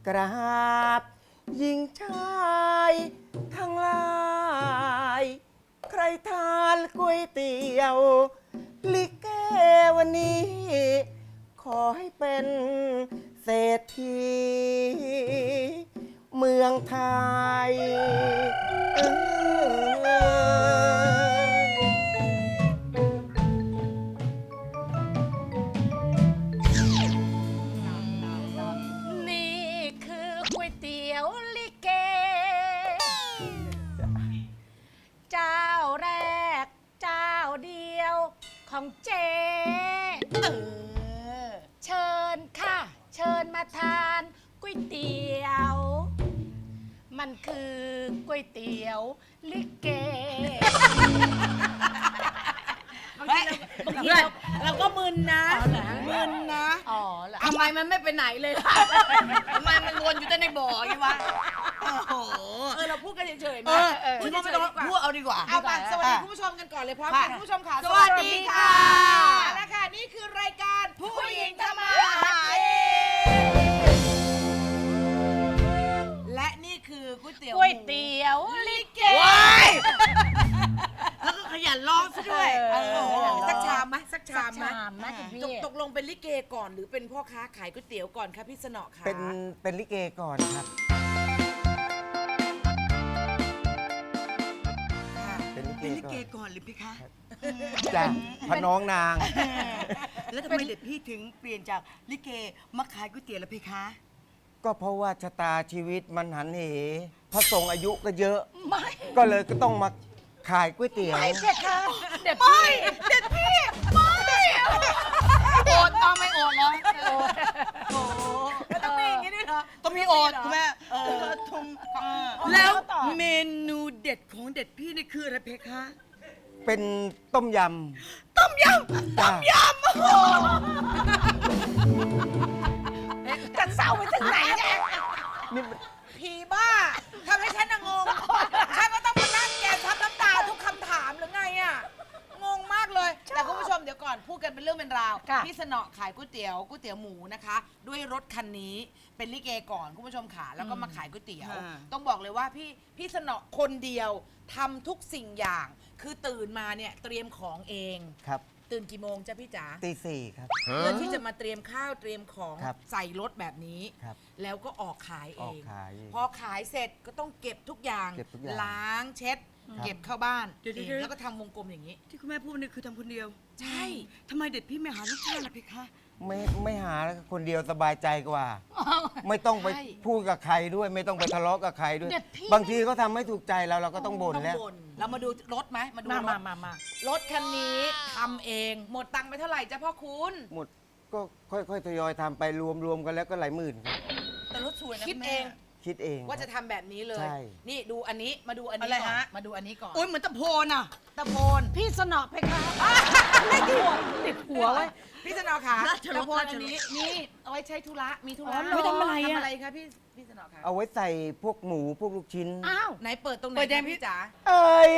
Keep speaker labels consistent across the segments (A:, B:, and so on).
A: กราบหญิงชายทั้งหลายใครทานก๋วยเตี๋ยวลิเกวันนี้ ขอให้เป็นเศรษฐีเมืองไทย
B: นี่คือก๋วยเตี๋ยวลิเก เจ้าแรกเจ้าเดียวของเจ๊เชิญค่ะ เชิญมาทานก๋วยเตี๋ยว มันคือก๋วยเตี๋ยวลิเก
C: บางทีเราก็มึนนะ
B: อ๋อเหรอ
C: มึนนะ
B: อ๋อเหรอ
C: ทำไมมันไม่ไปไหนเลยล่ะทำไมมันวนอยู่แต่ในบ่ออย่างวะโอ้โห
B: เราพูดกันเฉยๆ
C: เอ
B: นะ
C: อคุณไม่ต้องพูดเอาดีกว่า
D: เอาไปสวัสดีคุณผู้ชมกันก่อนเลยพร้อมกัน
C: ค่ะ
D: คุณผู้ชมค่ะ
C: สวัสดีค่ะ
D: และค่ะนี่คือรายการผู้หญิงทำมาหากินและนี่คือก๋วยเตี๋ยว
B: ก๋วยเตี๋ยวลิเก
C: ว้ายแล้วก็ขยันร้องซะด้วย
D: สักชามไหมสักชามไหม
B: สักชามนะคุณพี่
D: ตกลงเป็นลิเกก่อนหรือเป็นพ่อค้าขายก๋วยเตี๋ยวก่อนคะพี่สนอค่ะ
A: เป็นลิเกก่อนครับ เป็นลิ
C: เป็นลิ
A: เก
C: เก
A: ก่อน
C: ก่อนหรือพี่คะ
A: จ้ะพระน้องนาง
C: แล้วทำไมเด็ดพี่ถึงเปลี่ยนจากลิเกมาขายก๋วยเตี๋ยวล่ะพี่คะ
A: ก็เพราะว่าชะตาชีวิตมันหันเหพระสงฆ์อายุก็เยอะ
B: ไม่
A: ก็เลยก็ต้องมาขายก๋วยเตี๋ยว
B: ไม่เด็ดค่ะเด็ดพี่เด็ดพี่ไม่โอดต้องไม่โอดเหรอโอ้
D: ต้องมีอย่างนี้ด้วยเหรอ
C: ต้องมีโอดคุณแม่แล้วเมนูเด็ดของเด็ดพี่นี่คืออะไรเพคะ
A: เป็นต้มย
C: ต้มยำ
A: ำจ้ะ
B: จะเศร้าไปถึงไหนเนี่ย
A: นี่มัน
D: ผีบ้าทำให้ฉันน่ะงงฉันก็ต้องมานั่งแกซับน้ำตาทุกคำถามหรือไงอ่ะงงมากเลยแต่คุณผู้ชมเดี๋ยวก่อนพูดกันเป็นเรื่องเป็นราวพี่สนอขายก๋วยเตี๋ยวหมูนะคะ ด้วยรถคันนี้เป็นลิเกก่อนคุณผู้ชมค่ะแล้วก็มาขายก๋วยเตี๋ยว ต้องบอกเลยว่าพี่สนอคนเดียวทำทุกสิ่งอย่าง คือตื่นมาเนี่ยเตรียมของเอง
A: ครับ
D: ตื่นกี่โมงจ้ะพี่จ๋า
A: ตีสี่ครับ
D: เพื่อที่จะมาเตรียมข้าวเตรียมของ
A: ครับ
D: ใส่รถแบบนี้
A: ครับ
D: แล้วก็ออกขายเอ
A: ออก
D: ง
A: ขาย
D: พอขายเสร็จก็ต้องเก็บทุกอย่าง
A: เก็บทุกอย่าง
D: ล้างเช็ด
A: ครับ
D: เก็บเข้าบ้าน
C: เดี๋ยว
D: เอง
C: เดี๋ยว
D: แล้วก็ทำวงกลมอย่างนี้
C: ที่คุณแม่พูดนี่คือทำคนเดียว
D: ใช่
C: ทำไมเด็ดพี่ไม่หาลูกชายล่ะเพคะ
A: ไม่หาแล้วคนเดียวสบายใจกว่า ไม่ต้องไปพูดกับใครด้วย ไม่ต้องไปทะเลาะกับใครด้วย
B: เด็ดพี่
A: บางทีเขาทำไม่ถูกใจเราก็ต้องบ่น
D: ต้อง
A: แล้ว
D: บ่นเรามาดูรถไหมมาดู
B: มาร
D: ถ
B: มา
D: รถคันนี้ทำเองหมดตังค์ไปเท่าไหร่จ้ะพ่อคุณ
A: หมดก็ค่อยๆทยอยทำไปรวมกันแล้วก็หลายหมื่นครับ
C: แต่รถสวยนะ
D: คิด
C: คุณ
D: เอ
C: แม่
D: ง
A: คิดเอง
D: ว่าจะทำแบบนี้เลย
A: ใช่
D: นี่ดูอันนี้มาดูอันนี้
C: อะไร
D: ก่อน
C: ฮะ
D: มาดูอันนี้ก่อน
C: โอ้ยเหมือนตะโพนอ่ะ
D: ตะโพน
B: พี่สนอไปค่ะไม่ติดหัวไว้
D: พี่สนอค่ะ
C: ราชรส
D: ตะโพน
C: ราชรส
D: อันนี้นี่เอาไว้ใช้ธุระมีธุระ
B: อ๋อเหรอ
C: ทำอะไรอะ
D: ทำอะไรคะพี่สนอค่ะ
A: เอาไว้ใส่พวกหมูพวกลูกชิ้น
B: อ้าว
D: ไหนเปิดตรงไหน
C: เปิดยัง
D: คะ
C: พี่
D: พี่จ๋า
A: เอ้ย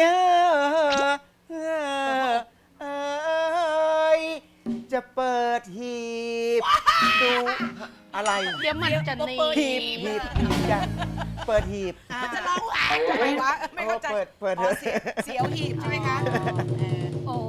A: เอ้ยจะเปิดหีบดูอะไร
B: เดี๋ยวมันจะหนี
A: หีบจ้ะเปิดหีบ
D: จะร้องไห้ทำไมวะไม่เข้าใจ
A: เปิด
D: อ๋อเสียวหีบใช่ไหมคะ
B: โอ้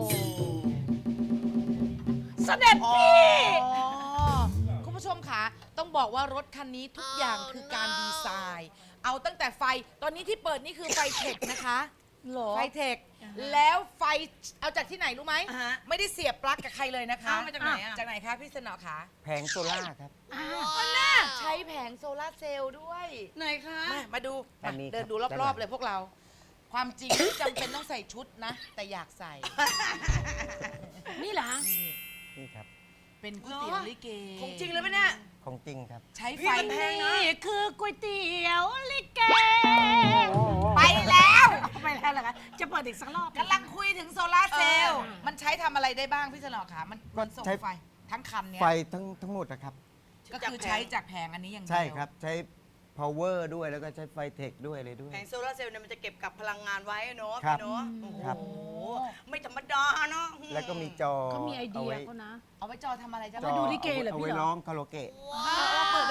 B: เสด็จ
D: อ๋อ
B: พี่
D: คุณผู้ชมค่ะต้องบอกว่ารถคันนี้ทุกอย่างคือการดีไซน์ เอาตั้งแต่ไฟตอนนี้ที่เปิดนี่คือไฟเทคนะคะ
B: เหรอ
D: ไฟเทคแล้วไฟเอาจากที่ไหนรู้ไหม
C: อ่าฮะ
D: ไม่ได้เสียบปลั๊กกับใครเลยนะคะ
C: เอามาจากไหนอะ
D: จากไหนคะพี่สนอคะ
A: แผงโซล่าครับ
B: อ้าว
D: ใช้แผงโซลาร์เซลล์ด้วย
C: ไหนคะ
D: มาดู
A: อันนี้
D: เดิน
A: ครับ
D: ดูร
A: ด้านหลั
D: อบ
A: ง
D: ๆเลยพวกเรา ความจริงไม่จำเป็นต้องใส่ชุดนะ แต่อยากใส่
B: นี่เหรอ
D: นี่
A: นี่ครับ
D: เป็นก๋วยเตี๋ยวลิเก
C: ของจริงเลยปะเนี่ย
A: ของจริงครับ
D: ใช้ไฟ
C: พี่มันแพงนะ
B: นี่คือก๋วยเตี๋ยวลิเก
D: ไปแล้ว
B: ไปแล้วเหรอคะจะเปิดอีกสักรอบ
D: กำลังคุยถึงโซลาร์เซลล์มันใช้ทำอะไรได้บ้างพี่สนอคะมันส่ง
A: ใช้
D: ไฟทั้งคันเนี้ย
A: ไฟทั้งหมดนะครับ
D: ก็คือใช้จากแผงอันนี้อย่างเดียว
A: ใช่ครับ ใช้ power ด้วยแล้วก็ใช้ไฟเทคด้วยเลยด้วย
C: แผงโซลาร์เซลล์เนี่ยมันจะเก็บกับพลังงานไว้เนาะ
A: ครับ
C: พี่เนาะโอ้โห
A: ครับ
C: ไม่ธรรมดาเนาะ
A: แล้วก็มีจอ
B: เขามีไอเดีย
A: ว้
B: เขานะ
D: เอาไว้จอทำอะไรจ้ะ
A: จอ
B: ดูลิเกเหรอ
A: เอา
B: พี่
A: ไว้
B: เหรอ
A: ร้องคาราโอเกะ
D: เราเปิดได้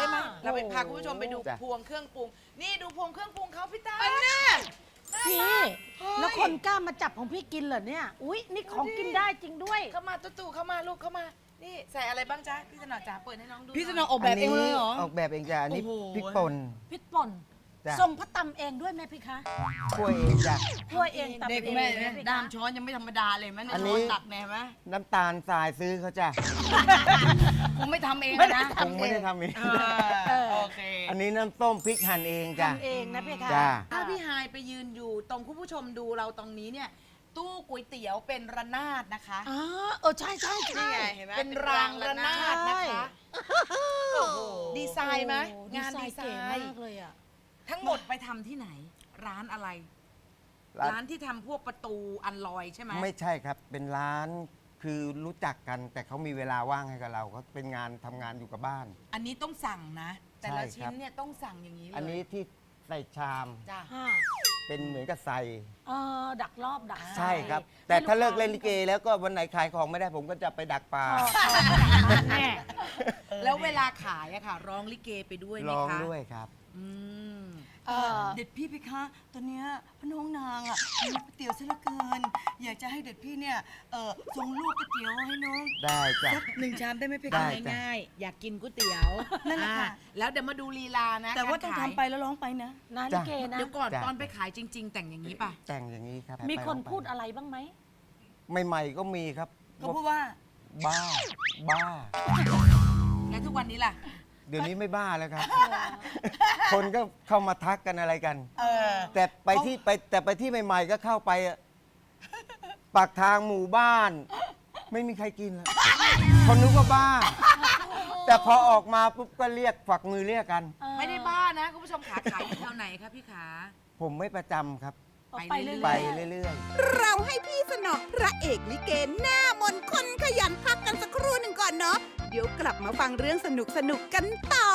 D: ได้ไหมเราไปพาคุณผู้ชมไปดู
A: จ้ะ
D: พวงเครื่องปรุง นี่ดูพวงเครื่องปรุงเขาพี่ตา
B: พี่ แล้วคนกล้ามาจับของพี่กินเหรอเนี่ย อุ๊ย นี่ของกินได้จริงด้วย
D: เข้ามาตู่เข้ามาลูกเข้ามา นี่ใส่อะไรบ้างจ๊ะพี่สนอจ๋าเปิดให้น้องดู
C: พี่สนอออกแบบเองเลยเหรอ
A: ออกแบบเองจ้ะอันนี้
C: โอ้โห
A: พริกป่น
B: พริกป่น
A: จ้ะ
B: ทรงพระตำเองด้วยไหมพี่คะ
A: กล้วยเองจ้ะ
B: ถ้วยเองตำ
C: เด็ก
B: เอง
C: แม่
B: ไห
C: เนี่ย
B: พี่คะ
C: ด้ามช้อนยังไม่ธรรมดาเลยแม่
A: อัน
C: ช้
A: นี้
C: อนตักแน่ไหม
A: น้ำตาลทรายซื้อเขาจ้ะ
C: คงไม่ทำเองนะ
A: คงไม่ได้ทำเอง
C: โอเค
A: อันนี้น้ำส้มพริกหั่นเองจ้ะ
B: ทำเองนะพี่คะ
A: จ้ะ
D: ถ้าพี่ฮายไปยืนอยู่ตรงคุณผู้ชมดูเราตรงนี้เนี่ย ตู้ก๋วยเตี๋ยวเป็นระนาดนะคะ
B: อ๋อใช่ใช่
D: นี่
B: ใช่
D: ไงเห็นไหมเป็นรางระนาดนะคะโอ้โหดีไซน์ไหม
B: โอ้
D: งานดีไซ
B: เก๋
D: น์
B: มากเลยอ่ะ
D: ทั้งหมดไปทำที่ไหน ร้านอะไร ร้านที่ทำพวกประตูอันลอยใช่ไหม
A: ไม่ใช่ครับ เป็นร้านคือรู้จักกัน แต่เขามีเวลาว่างให้กับเราเขาเป็นงานทำงานอยู่กับบ้าน
D: อันนี้ต้องสั่งนะ แต่ละ
A: ใช่
D: ชิ้
A: ครั
D: น
A: บ
D: เนี่ยต้องสั่งอย่างนี้เลย
A: อันนี้ที่ใส่ชาม
D: จ้ะ
A: เป็นเหมือนกับใส่
B: ดักรอบดัก
A: ใช่ครับ แต่ถ้าเลิกเล่นลิเก แล้วก็วันไหนขายของไม่ได้ผมก็จะไปดักปลา
B: แน่
D: แล้วเวลาขายอะค่ะ ร้องลิเกไปด้วยไหม
A: ร้อง
D: คะ
A: ด้วยครับ
D: อืม
C: เด็ดพี่เพคะตอนเนี้ยพระน้องนางอ่ะหิวก๋วยเตี๋ยวซะเหลือเกิน อยากจะให้เด็ดพี่เนี่ยส่งลูกก๋วยเตี๋ยวให้น้อง
A: ได้จ้ะ
C: สัก1 ชามได้ไหมเพ
A: ได้
C: คะ
A: จ้ะ
D: ง่ายๆอยากกินก๋วยเตี๋ยว
C: นั่นแหละค่ะ
D: แล้วเดี๋ยวมาดูลีลานะ
C: แต่ว่า
D: การ
C: ต้อง
D: ขย
C: ทำไปแล้วร้องไปนะ
B: นะลิเกนะ
D: เดี๋ยวก่อน
A: จ้ะ
D: ตอนไปขายจริง ๆ แต่งอย่างนี้ป่ะ
A: แต่งอย่างนี้ครับ
B: มีคน
A: ไป
B: พูดอะไรบ้างไหม
A: ใหม่ๆก็มีครับ
C: เขาพูดว่า
A: บ้า บ้า
D: แล้วทุกวันนี้ล่ะ
A: เดี๋ยวนี้ไม่บ้าแล้วครับ คนก็เข้ามาทักกันอะไรกัน แต่ไปที่ใหม่ ๆ ก็เข้าไปอะปากทางหมู่บ้าน ไม่มีใครกินแล้วคนนึกว่าบ้า แต่พอออกมาปุ๊บก็เรียกฝักมือเรียกกัน
D: ไม่ได้บ้านะคุณผู้ชมขาขายอยู่แถวไหนคะพี่ขา
A: ผมไม่ประจำครับ
B: ไปเรื่อยๆ
A: ไปเรื่อย
E: เราให้พี่สนอพระเอกลิเกหน้ามนต์คนขยันพักกันสักครู่หนึ่งก่อนเนาะ เดี๋ยวกลับมาฟังเรื่องสนุกๆกันต่อ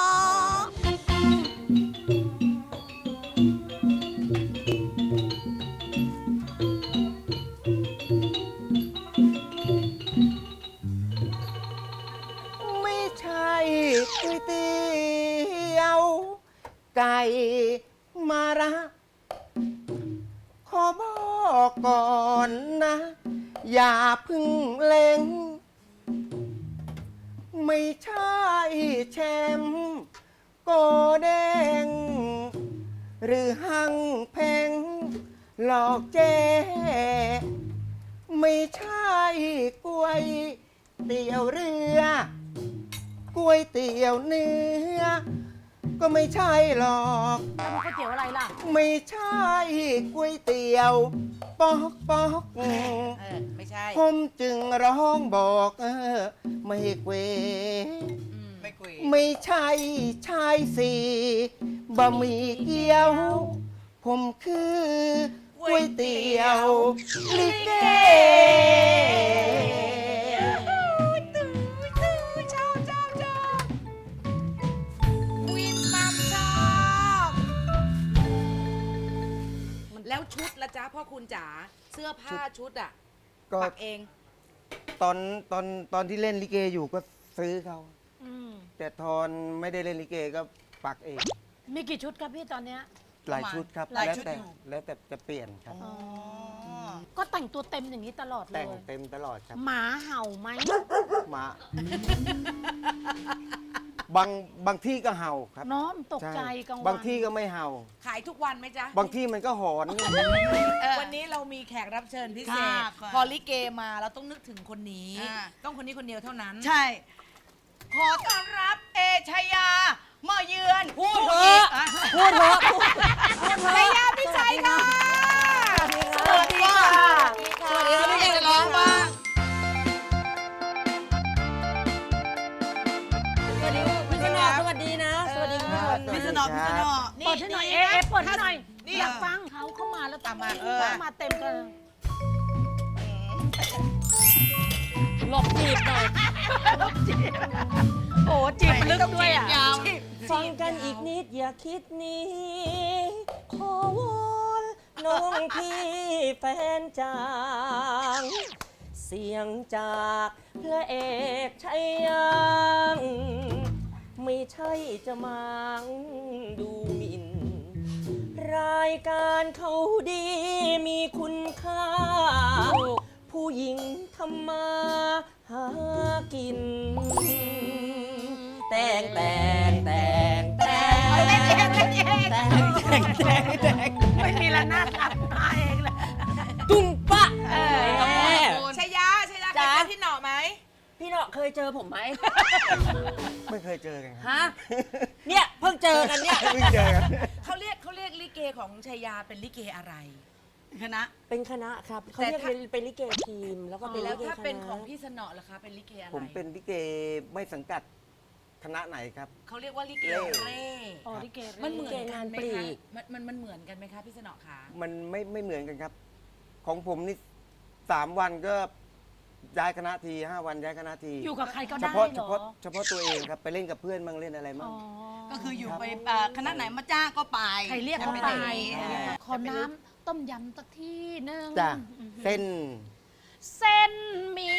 A: ๆ ไม่ใช่ก๋วยเตี๋ยว ไก่มาระ ขอบอกก่อนนะ อย่าเพึ่งเล็ง ไม่ใช่แชมป์โกแดง หรือหังเพงหลอกเจ๊ไม่ใช่ก๋วยเตี๋ยวเรือก๋วยเตี๋ยวเนื้อ ก็ไม่ใช่หรอก
B: แล้วมันก๋วยเตี๋ยวอะไรล่ะ
A: ไม่ใช่ก๋วยเตี๋ยวปอกปอก
D: ไม่ใช่
A: ผมจึงร้องบอกไม่เกว
C: ไม่คุย
A: ไม่ใช่ชายสีบะหมี่เกี๊ยว ผมคือก๋วยเตี๋ยวลิเก
D: วินมัมชอบแล้วชุดละจ๊ะพ่อคุณจ๋าเสื้อผ้าชุดอ่ะ
A: ก็
D: ปักเอง
A: ตอนที่เล่นลิเกอยู่ก็ซื้อเขา
B: อืม
A: แต่ตอนไม่ได้เล่นลิเกก็ปักเอง
B: มีกี่ชุดครับพี่ตอนเนี้ย
A: หลายชุดครับ
C: หลาย
A: แล้ว
C: ชุด
A: แต่
C: อยู่
A: แล้วแต่จะเปลี่ยนครับ
B: ก็แต่งตัวเต็มอย่างนี้ตลอดเล
A: แต่ง
B: ย
A: เต็มตลอดครับ
B: หมาเห่าไหม
A: หมาบางที่ก็เห่าครับ
B: น้อมตกใจ
A: ช่
B: กังวล
A: บางที่ก็ไม่เห่า
D: ขายทุกวันไหมจ๊ะ
A: บางที่มันก็หอน
D: วันนี้เรามีแขกรับเชิญพิเศษ
C: ค่ะ
D: พอลิเกมาเราต้องนึกถึงคนนี้ ต้องคนนี้คนเดียวเท่านั้น
C: ใช่ ขอต้อนรับเอชยามาเยือน
B: พูดเถอะพูดเถอะ
D: ชายาพิชัยค่ะ
C: สวัสดีค่ะสวัสดีค่ะพี่จะร้องบ้าง
F: สวัสดีพี่สนอสวัสดีนะ สวัสดีคุณผู้ชม
C: พี่สนอพี่สนอ
B: เปิดให้หน่อยเอ๊ะเปิดให้หน่อย
C: นี่
B: อยากฟังเขาเข้ามาแล้ว
D: ตามมา
B: มาเต็มกัน
F: หลบจีบหน่อย
B: โอ้จีบลึกด้วยอ่ะ
F: ฟังกันอีกนิดอย่าคิดหนี้ ขอวอนน้องพี่แฟนจาง เสียงจากพระเอกชัยยัง มไม่ใช่จะมางดูหมิ่น รายการเขาดีมีคุณค่า ผู้หญิงทำมาหากิน แต่งแต่งแต่งแต่ง
B: เล่นเองเล่นเอง
F: แต่งแต่ง
B: ไม่มีละนาดอัดมาเองเลย
F: ตุ้มปะ
B: แม่
D: ชายาเคยเจอพี่หน่อไหม
F: พี่เนาะเคยเจอผมไหม
A: ไม่เคยเจอกันครับ
F: ฮะ เนี่ยเพิ่งเจอกันเนี่ย
A: ไม่เจอกัน
D: เขาเรียกลิเกของชายาเป็นลิเกอะไร คณะ
F: เป็นคณะครับเขาเรียกเป็นลิเกทีม แล้วก็เป็น
D: แล้
F: ลิ
D: ว
F: เก
D: ถ้า
F: คณะ
D: เป็นของพี่สนอล่ะคะเป็นลิเกอะไร
A: ผมเป็นลิเกไม่สังกัดคณะไหนครับ
D: เขาเรียกว่าลิเก
A: เร่
D: เร่
B: อ๋อลิเกเร่
D: มันเหมือนกันไหม
F: ลิเกงานปลี
D: คะ
F: ก
D: มันเหมือนกันไหมคะพี่สนอคะ
A: มันไม่เหมือนกันครับ ของผมนี่3 วันก็ย้ายคณะที5 วันย้ายคณะที
B: อยู่กับใครก็
A: เฉ
B: ได้
A: พาะ
B: เห
A: เฉ
B: รอ
A: พาะเฉพาะตัวเองครับไปเล่นกับเพื่อนบ้างเล่นอะไรบ้าง
C: ก็คืออยู่ไปคณะไหนมาจ้างก็ไป
B: ใครเรียกเขาไป
A: ใช่
B: ขอน้ำต้มยำสักที่หนึง
A: จ้ะเส้น
B: เส้นหมี่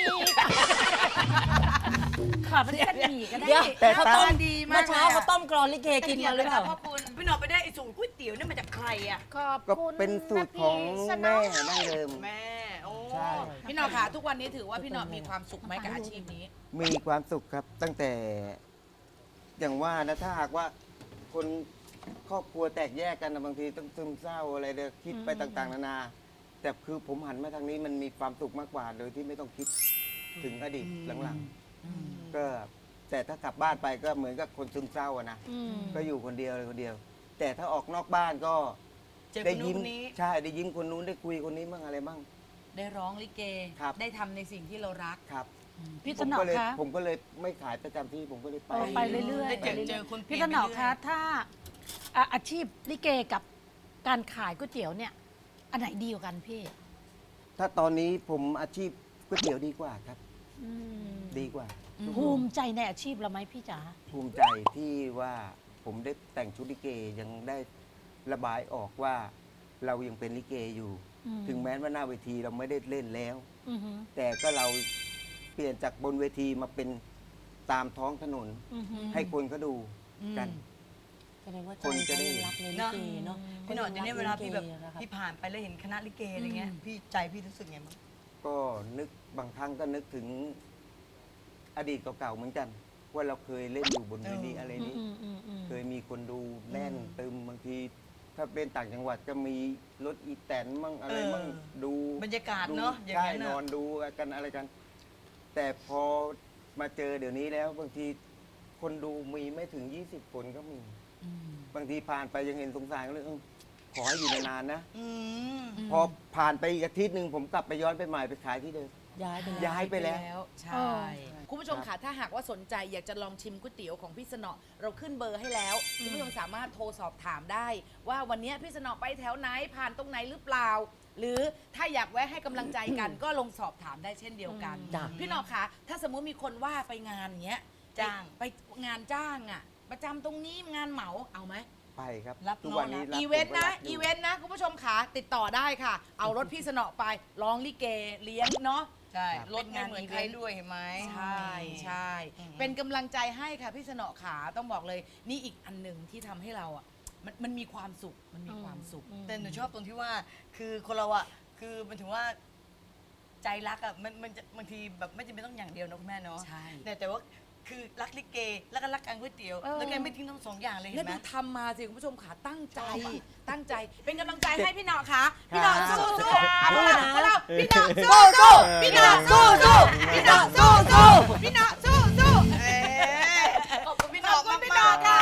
B: ขอเป็นเส้นหมี่ก็ได้
F: เดี๋ยว
A: แต่
F: เขา
A: ตา
F: ต้ม
D: ดีมาก
F: เมื่อเช้าเขาต้มกรอนลิเกกินมาหรือเปล่า
C: พ่อคุณพี่หน่อไปได้ไอ้สูตรก๋วยเตี๋ยวนี่มาจากใครอ่ะ
B: ขอบ
A: ก็
B: คุณ
A: เป็นสูตรของ
B: นะพี่สน
A: แม่ดั้งเดิม
C: แม่ โอ้
A: ใช่
D: พี่หน่อคะทุกวันนี้ถือว่าพี่หน่อมีความสุขไหมกับอาชีพนี้
A: มีความสุขครับ ตั้งแต่อย่างว่านะถ้าหากว่าคนครอบครัวแตกแยกกันนะบางทีต้องซึมเศร้าอะไรเด้อคิดไปต่างๆนานาแต่คือผมหันมาทางนี้มันมีความสุขมากกว่า โดยที่ไม่ต้องคิดถึงอดีตหลังๆก็แต่ถ้ากลับบ้านไปก็เหมือนกับคนซึมเศร้าอะนะ
B: อืม
A: ก็อยู่คนเดียวเลยคนเดียว แต่ถ้าออกนอกบ้านก็
C: เจอค
A: ได้
C: นนู้น
A: ยิ้ม
C: คนนี้
A: ใช่ได้ยิ้มคนนู้นได้คุยคนนี้บ้างอะไรบ้าง
D: ได้ร้องลิเก
A: ครับ
D: ได้ทำในสิ่งที่เรารัก
A: ครับ
B: พี่
A: ผ
B: ส
A: ม
B: นอ
A: ก็เลย
B: คะ
A: ผมก็เลยไม่ขายประจำที่ผมก็เลยไป
B: ไปเรื่อย
C: ได้
B: ๆ
C: เจอคนเปลี่
B: พี่
C: ยน
B: สนอ
C: ไปเรื่อย
B: คะถ้าอาชีพลิเกกับการขายก๋วยเตี๋ยวเนี่ย อันไหนดีกว่ากันพี่
A: ถ้าตอนนี้ผมอาชีพก๋วยเตี๋ยวดีกว่าครับ
B: อืม
A: ดีกว่า
B: ภูมิใจในอาชีพเราไหมพี่จ๋า
A: ภูมิใจที่ว่าผมได้แต่งชุดลิเกยังได้ระบายออกว่าเรายังเป็นลิเกอยู่ ถึงแม้ว่าหน้าเวทีเราไม่ได้เล่นแล้ว
B: อือหือ
A: แต่ก็เราเปลี่ยนจากบนเวทีมาเป็นตามท้องถนน
B: อือหือ
A: ให้คนเขาดูกัน
F: แสดงว่าใจ
A: คนจะได้
F: เขายังรักในลิเกเนาะ
C: พี่หน่อเดี๋ยวนี้เวลาพี่แบบ
F: ขยังรักลิเกนะครับ
C: พี่ผ่านไปแล้วเห็นคณะลิเกอะไรเงี้ย พี่ใจพี่รู้สึกไงบ้าง
A: ก็นึกบางครั้งก็นึกถึงอดีตเก่าๆเหมือนกัน ว่าเราเคยเล่นอยู่บนเวทีอะไรนี้ เคยมีคนดูแน่นตึมบางที ถ้าเป็นต่างจังหวัดก็มีรถอีแตนมั่งอะไรมั่งดู
C: บรรยากาศ
A: ดู
C: เนาะอย่าง
A: ใช่
C: นั้น
A: นอ
C: น่ะ
A: นดูกันอะไรกัน แต่พอมาเจอเดี๋ยวนี้แล้ว บางทีคนดูมีไม่ถึง 20 คนก็มี บางทีผ่านไปยังเห็นสงสารก็เลยขอให้อยู่นานๆนะ
C: อืม
A: พอผ่านไปอีกอาทิตย์หนึ่งผมกลับไปย้อนไปใหม่ไปขายที่เดิม
F: ย้ายไปแล้ว
A: ย้ายไปแล้ว
D: ใช่ คุณผู้ชมค่ะถ้าหากว่าสนใจอยากจะลองชิมก๋วยเตี๋ยวของพี่สนอเราขึ้นเบอร์ให้แล้วคุณผู้ชมสามารถโทรสอบถามได้ ว่าวันนี้พี่สนอไปแถวไหนผ่านตรงไหนหรือเปล่า หรือถ้าอยากแวะให้กำลังใจกัน ก็ลงสอบถามได้เช่นเดียวกัน
F: จ้ะ
D: พี่หนอคะถ้าสมมุติมีคนว่าไปงานอย่างเงี้ย
C: จ้าง
D: ไปงานจ้างอ่ะ ประจำตรงนี้งานเหมาเอาไหม
A: ไปครับ
C: รับ
A: ทุกวันนี้
C: น้องนะ
A: รับ
D: อีเวนต์นะ
A: ผมก็รับยู่
D: อีเวนต์นะคุณผู้ชมขาติดต่อได้ค่ะ เอารถพี่สนอไปร้องลิเกเลี้ยงเนาะ
C: ใช่
D: ครับ
C: รถไม่เหมือนใครด้วยเห็นไหม
D: ใช่ใช่ เป็นกำลังใจให้ค่ะพี่สนอขาต้องบอกเลย นี่อีกอันหนึ่งที่ทำให้เราอ่ะมันมีความสุขมันมีความสุข
C: แต่หนูชอบตรงที่ว่า คือคนเราอ่ะ คือมันถึงว่าใจรักอ่ะ มันจะบางทีแบบไม่จำเป็นต้องอย่างเดียวนะคุณแม่เนาะ
D: ใช่
C: แต่ว่าคือรักลิเก แล้วก็รักการก๋วยเตี๋ยว แล้วแกไม่ทิ้งทั้งสองอย่างเลยเห็
D: แล้ว
C: นไหม
D: ดูทำมาสิคุณผู้ชมขาตั้งใจ เป็นกำลังใจให้พี่หนอค่ะพี่หนอสู้สู้พวกเราพี่หนอสู้สู้พี่หนอสู้สู้พี่หนอสู้สู้พี่หนอสู้สู้ขอบคุณพี่หนอพี่หนอค่ะ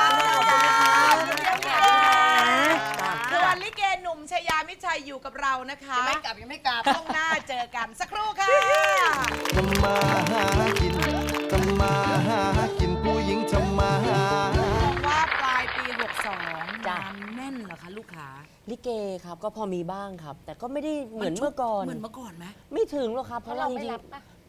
D: ส่วนลิเกหนุ่มชยามิชัยอยู่กับเรานะคะ
C: ยังไม่กลับยังไม่กลับ
D: ต้องหน้าเจอกันสักครู่ค่ะ
G: ทำมาหากิน ทำมาหากินผู้หญิงทำมาหา
D: บอกว่าปลายปี 62
F: จ้ะ
D: งานแน่นเหรอคะลูกค้า
F: ลิเกครับก็พอมีบ้างครับ แต่ก็ไม่ได้เหมือนเมื่อก่อน
D: เหมือนเมื่อก่อนไหม
F: ไม่ถึงหรอกครับ เพ
B: เพราะ
F: ราะ
B: เรา
F: ว่าจ
B: ไม่
F: ริง
B: รับปะ
F: ๆ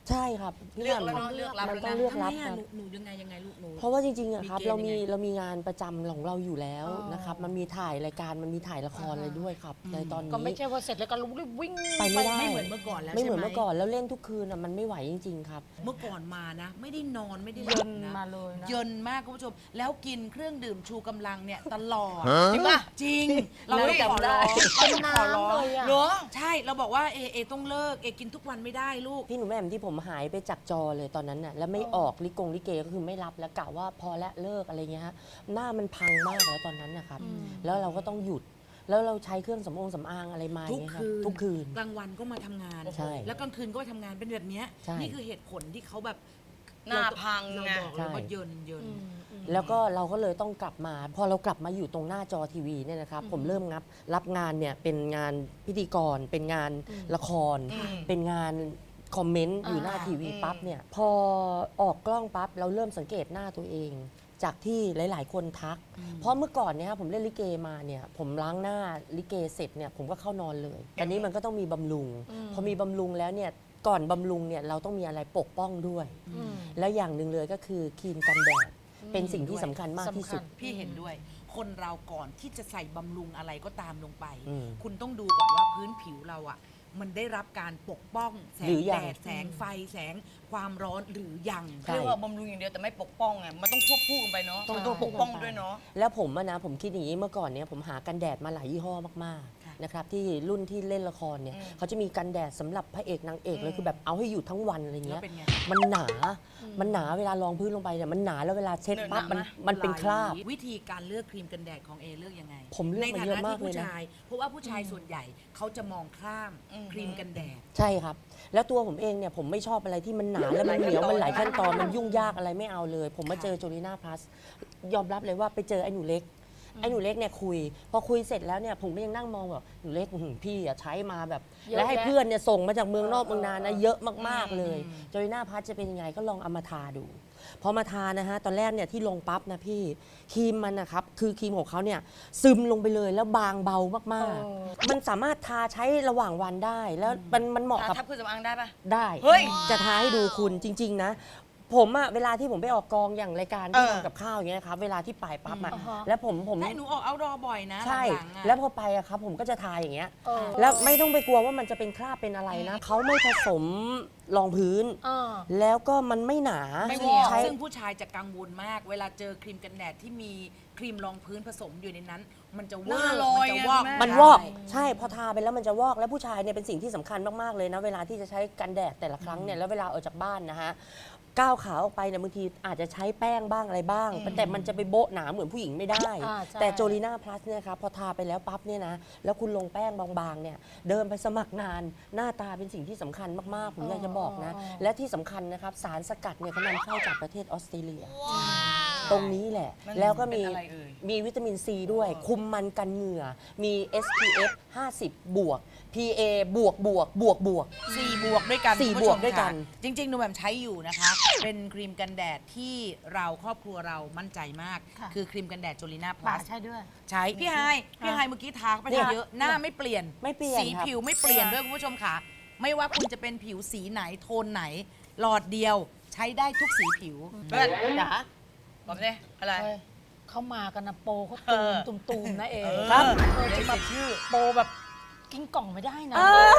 F: ใช่ครับพี่
D: เลือก
F: แห
D: แล้ว
F: ม่ม
D: เนาะเลือกรับ
F: มัน
D: แล้ว
F: ต้อง
D: นะ
F: เลือก
D: ทำไม
F: รับ
D: อะ
F: ครับ
D: หนูยังไงลูกหนู
F: เพราะว่าจริงๆอะครับ
D: มีเกณฑ์
F: เรามี
D: ยังไง
F: เรามีงานประจำของเราอยู่แล้วนะครับมันมีถ่ายรายการมันมีถ่ายละครอะไรด้วยครับในตอนนี้
B: ก็ไม่ใช่ว่าเสร็จแล้วก็รู้รีบวิ่ง
F: ไปไม่ได้
D: ไม่เหมือนเมื่อก่อนแล้ว
F: ไม่เหมือน
D: ใช่ไหม
F: เมื่อก่อนแล้วเล่นทุกคืนอะมันไม่ไหวจริง ๆ ครับ
D: เมื่อก่อนมานะ ไม่ได้นอนไม่ได้ห
B: เยิ
D: ลับ
B: น
D: นะ
B: มาเลยนะ
D: เยินมากคุณผู้ชม แล้วกินเครื่องดื่มชูกำลังเนี่ยตลอด
G: ฮะ
D: จริงป่ะจริง เราไม่ขอร้อง
B: เป็น
D: ขอร้อง
B: น้ำเลยอะ
D: เหรอใช่เราบอกว่าเอต้องเลิกกินทุกวันไม่ได้ลูก
F: พี่หนูแหม่มที่ผมหายไปจากจอเลยตอนนั้นน่ะแล้วไม่ออกลิเกก็คือไม่รับแล้วกะว่าพอและเลิกอะไรเงี้ยฮะหน้ามันพังมากแล้วตอนนั้นนะครับแล้วเราก็ต้องหยุดแล้วเราใช้เครื่องสำอางอะไรมาอ
D: ทุ
F: ย่าก งเงี้ยครับ
D: คืน
F: ทุกคืน
D: กลางวันก็มาทำงาน
F: ใช่
D: แล้วกลางคืนก็มาทำงานเป็นแบบเนี้ย
F: ใช่
D: นี่คือเหตุผลที่เขาแบบ
C: หน้าพัง
D: เรา
C: ไง
D: บอกเลยว่าเยิน
F: แล้วก็เราก็เลยต้องกลับมา พอเรากลับมาอยู่ตรงหน้าจอทีวีเนี่ยนะครับผมเริ่มรับงานเนี่ยเป็นงานพิธีกรเป็นงานละคร เป็นงานคอมเมนต์อยู่หน้าทีวีปั๊บเนี่ยพอออกกล้องปั๊บเราเริ่มสังเกตหน้าตัวเอง จากที่หลาย ๆ คนทัก เพราะเมื่อก่อนเนี่ยครับผมเล่นลิเกมาเนี่ยผมล้างหน้าลิเกเสร็จเนี่ยผมก็เข้านอนเลยแต่นี้มันก็ต้องมีบำรุง พอมีบำรุงแล้วเนี่ยก่อนบำรุงเนี่ยเราต้องมีอะไรปกป้องด้วย แล้วอย่างหนึ่งเลยก็คือครีมกันแดดเป็นสิ่งที่สำคัญมากที่สุด
D: พี่เห็นด้วย คนเราก่อนที่จะใส่บำรุงอะไรก็ตามลงไป
F: อืม
D: คุณต้องดูก่อนว่าพื้นผิวเราอ่ะ มันได้รับการปกป้องแส
F: หรื
D: ง
F: อยั
D: แด
F: ง
D: ดแสงไฟแสงความร้อนหรือยัง
F: ใช่
C: เรียกว่าบำรุงอย่างเดียวแต่ไม่ปกป้องไงมันต้องควบคู่กันไปเนาะ
F: ต้อง
C: ปกป้องด้วยเนาะ
F: แล้วผมอะนะผมคิดอย่างนี้เมื่อก่อนเนี่ยผมหากันแดดมาหลายยี่ห้อมาก
D: ค่ะ
F: ๆนะครับที่รุ่นที่เล่นละครเนี่ยเขาจะมีกันแดดสำหรับพระเอกนางเอกเลยคือแบบเอาให้อยู่ทั้งวันอะไร
D: แล้
F: เงี้
D: วย เป็นไง
F: มันหนา มันหนาเวลารองพื้นลงไปเนี่ยมันหนาแล้วเวลาเช็ดปั๊บมันเป็นคราบ
D: วิธีการเลือกครีมกันแดดของเอเลือกยังไง
F: ผมเลือก
D: ใน
F: มา
D: ฐา
F: เยอะ
D: นะ
F: มาก
D: ที่
F: เลย
D: ผู้
F: นะ
D: ชาย เพราะว่าผู้ชายส่วนใหญ่เขาจะมองข้ามครีมกันแดด
F: ใช่ครับ แล้วตัวผมเองเนี่ยผมไม่ชอบอะไรที่มันหนาแล้วมันเหนียวมันหลายขั้นตอนมันยุ่งยากอะไรไม่เอาเลย ผมมาเจอโจลิน่าพลัสยอมรับเลยว่าไปเจอไอ้หนูเล็กเนี่ยคุย พอคุยเสร็จแล้วเนี่ยผมก็ยังนั่งมองแบบหนูเล็กพี่อะใช้มาแบบ
B: เยอะ
F: แล้วให้
B: แยะ
F: เพื่อนเนี่ยส่งมาจากเมืองนอกเมืองนานะเยอะมากๆเลยโจลิน่าพลัสจะเป็นยังไงก็ลองเอามาทาดูพอมาทานะฮะตอนแรกเนี่ยที่ลงปั๊บนะพี่ครีมมันนะครับคือครีมของเขาเนี่ยซึมลงไปเลยแล้วบางเบามากๆ มันสามารถทาใช้ระหว่างวันได้แล้วมันเหมาะกับ
C: ทับเครื่องสำอางได้ปะ
F: ได้
C: เฮ้ย
F: จะทาให้ดูคุณจริง ๆ นะ ผมอะเวลาที่ผมไปออกกองอย่างรายการที่ทำกับข้าวอย่างเงี้ยครับเวลาที่ไปปั๊บอะแล้วผม
D: แต่หนูออกเอาดอบ่อยนะ
F: ใช่
D: หลังๆอะ
F: แล้วพอไปอะครับผมก็จะทาอย่างเงี้ย
B: เออ
F: แล้วไม่ต้องไปกลัวว่ามันจะเป็นคราบเป็นอะไรนะเขาไม่ผสมรองพื้น
B: เออ
F: แล้วก็มันไม่หนา
D: ไม่เหนียว
F: ใช้
D: ซึ่งผู้ชายจะกังวลมาก เวลาเจอครีมกันแดดที่มีครีมรองพื้นผสมอยู่ในนั้น มันจะว
C: ห
D: อ
C: น้าก ลอย
D: มันจะ
C: ไง
D: วอก
C: แม่
F: มันวอกใช่พอทาไปแล้วมันจะวอกแล้วผู้ชายเนี่ยเป็นสิ่งที่สำคัญมากๆเลยนะเวลาที่จะใช้กันแดดแต่ละครั้งเนี่ยแล้วเวลาออกจากบ้านนะฮะก้าวขาออกไปเนี่ยบางทีอาจจะใช้แป้งบ้างอะไรบ้าง แต่มันจะไปโบ๊ะหนาเหมือนผู้หญิงไม่ได้
B: อ่าใช่
F: แต่โจลีน่าพลัสเนี่ยครับพอทาไปแล้วปั๊บเนี่ยนะแล้วคุณลงแป้งบางๆเนี่ยเดินไปสมัครงานหน้าตาเป็นสิ่งที่สำคัญมากๆผมอยากจะบอกนะและที่สำคัญนะครับสารสกัดเนี่ยเขานำเข้าจากประเทศออสเตรเลีย ตรงนี้แหละ แล้วก็มี
C: เป็นอะไรเอ่ย
F: มีวิตามินซีด้วย คุมมันกันเหงื่อ มี SPF 50 บวก PA บวกบวกบวกบวก
D: 4 บวกด้วยกัน
F: สี่
D: คุณผู้ชม
F: บวกด้วยกัน
D: ค่ะจริง ๆ หนูแบบใช้อยู่นะคะ เป็นครีมกันแดดที่เราครอบครัวเรามั่นใจมาก
B: ค่ะ
D: คือครีมกันแดดโจลิน่าพ
B: ป่า
D: ลัส
B: ใช่ด้วย
D: ใช้พี่ไฮเมื่อกี้ทาเข้าไป
F: เนี่ย
D: เยอะหน้าไม่เปลี่ยน
F: ไม่เปลี่ยน
D: สี
F: ครับ
D: ผิวไม่เปลี่ยนด้วยคุณผู้ชมค่ะ ไม่ว่าคุณจะเป็นผิวสีไหนโทนไหน หลอดเดียวใช้ได้ทุกสีผิว
C: เพื่อนจ๋าบอกเลยอะไร
B: เฮ้ยเขามากันนะโปรเขา
C: เออ
B: ตูมๆนะเอง
F: ครับ
B: จะมาโปรแบบกินกล่องไม่ได้นะ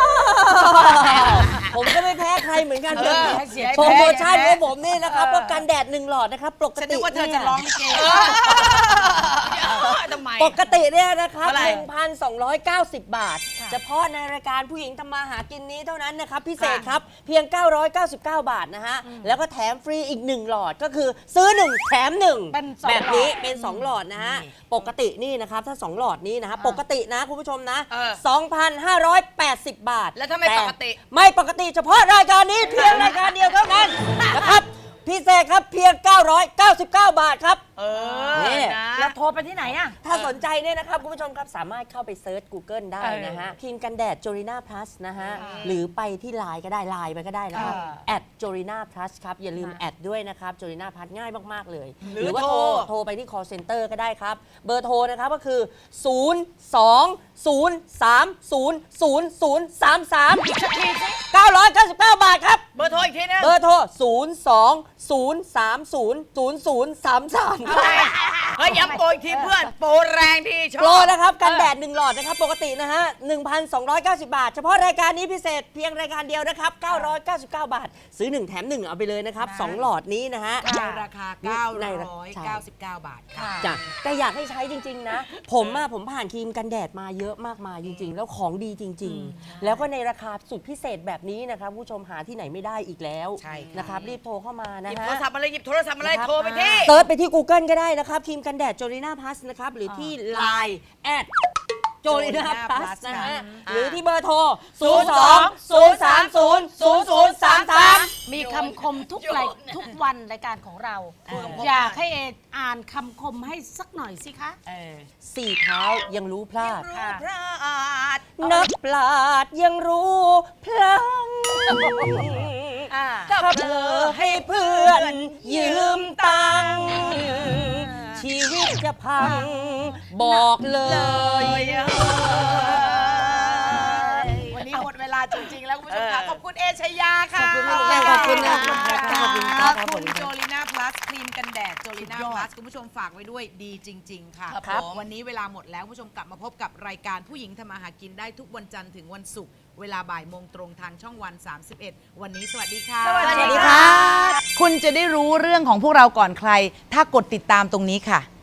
F: ผมก็ไม่แพ้ใครเหมือนกัน
C: เออให้เสียให้แพ้
F: โปรโมชั่นของผมนี่นะครับก็กันแดด1 หลอดนะครับปก
D: ฉัน
F: ติ
D: นึกว่าเธอจะ
F: เนี่ย
D: ร้องลิเก
C: ทำไม
F: ปกติเนี่ยนะครับ
C: เท่าไหร่
F: 1,290 บาท เฉพาะในรายการผู้หญิงทำมาหากินนี้เท่านั้นนะครับ พิเศษครับ เพียง 999 บาทนะฮะ แล้วก็แถมฟรีอีก 1 หลอดก็คือซื้อ 1 แถม 1
B: เป็นสอง
F: แบบนี้
B: หลอด
F: เป็น 2 หลอดนะฮะ ปกตินี่นะครับ ถ้า 2 หลอดนี้นะฮะปกตินะคุณผู้ชมนะ
C: เออ
F: 2,580 บาท
C: แล้วถ้าไม่
F: ต่
C: ปกติ
F: ไม่ปกติเฉพาะรายการนี้เพียงรายการเดียวเท่านั้นนะครับ พิเศษครับเพียง 999 บาทครับนี่
B: แล้วโทรไปที่ไหนอ่ะ
F: ถ้าสนใจเนี่ยนะครับคุณผู้ชมครับสามารถเข้าไปเซิร์ช Google ได้นะฮะครีมกันแดด Jorina Plus นะฮะหรือไปที่ไลน์ก็ได้ไลน์ไปก็ได้นะครับ@Jorina Plus ครับอย่าลืมแอดด้วยนะครับ Jorina Plus ง่ายมากๆเลย หรือว่าโทรไปที่ call center ก็ได้ครับเบอร์โทรนะครับก็คือ 999 บาทครับ
D: เบอร์โทรอีกทีนึง
F: เบอร์โทร 020300033 ครับ
D: เฮ้ยย้ำโปรอีกทีเพื่อนโปรแรงที่ชอบ
F: โปรนะครับกันแดด1หลอดนะครับปกตินะฮะ 1,290 บาท เฉพาะรายการนี้พิเศษเพียงรายการเดียวนะครับ 999 บาท ซื้อ 1 แถม 1 เอาไปเลยนะครับ 2 หลอดนี้นะฮะ
D: ในราคา
F: ใน
D: 999 บาทค่ะ
F: จ้ะแต่อยากให้ใช้จริง ๆ นะ ผมผ่านครีมกันแดดมาเยอะมากมายจริง ๆ แล้วของดีจริง ๆ แล้วก็ในราคาสุดพิเศษแบบนี้นะครับผู้ชมหาที่ไหนไม่ได้อีกแล้ว
D: ใช่ค่ะ
F: นะครับรีบโทรเข้ามานะ
D: หยิบ
F: ฮะ
D: โทรศัพท์มาเลยหยิบโทรศัพท์มาเลย
F: นะครับ
D: โทรไปที่
F: เซิร์ชไปที่ Google ก็ได้นะครับครีมกันแดด Jorina Plus นะครับ หรือที่ Line @Jorina Plus นะฮะ หรือที่เบอร์โทร 02-030-0033
B: มีคำคมทุกวันรายการของเรา อยากให้เออ่านคำคมให้สักหน่อยสิคะ
F: สี่เท้ายังรู้พลาด
D: พระอาจ
F: นักปราชญ์ยังรู้พลังถ้าเผลอให้เพื่อนยืมตังค์ชีวิตจะพัง บอกเลย
D: วันนี้หมดเวลาจริง ๆ แล้วคุณผู้ชมค่ะขอบคุณเอชยาค่ะ
F: ขอบคุณนะ
D: ขอบคุณครับคุณโจลิน่าพลัสครีมกันแดดโจลิน่าพลัสคุณผู้ชมฝากไว้ด้วยดีจริง ๆ ค่ะ
F: ครับ
D: วันนี้เวลาหมดแล้วคุณผู้ชมกลับมาพบกับรายการผู้หญิงทำมาหากินได้ทุกวันจันทร์ถึงวันศุกร์เวลาบ่ายโมงตรงทางช่องวัน 31 วันนี้สวัสดีค่ะ
F: สวัสดีค่ะ
D: คุณจะได้รู้เรื่องของพวกเราก่อนใคร ถ้ากดติดตามตรงนี้ค่ะ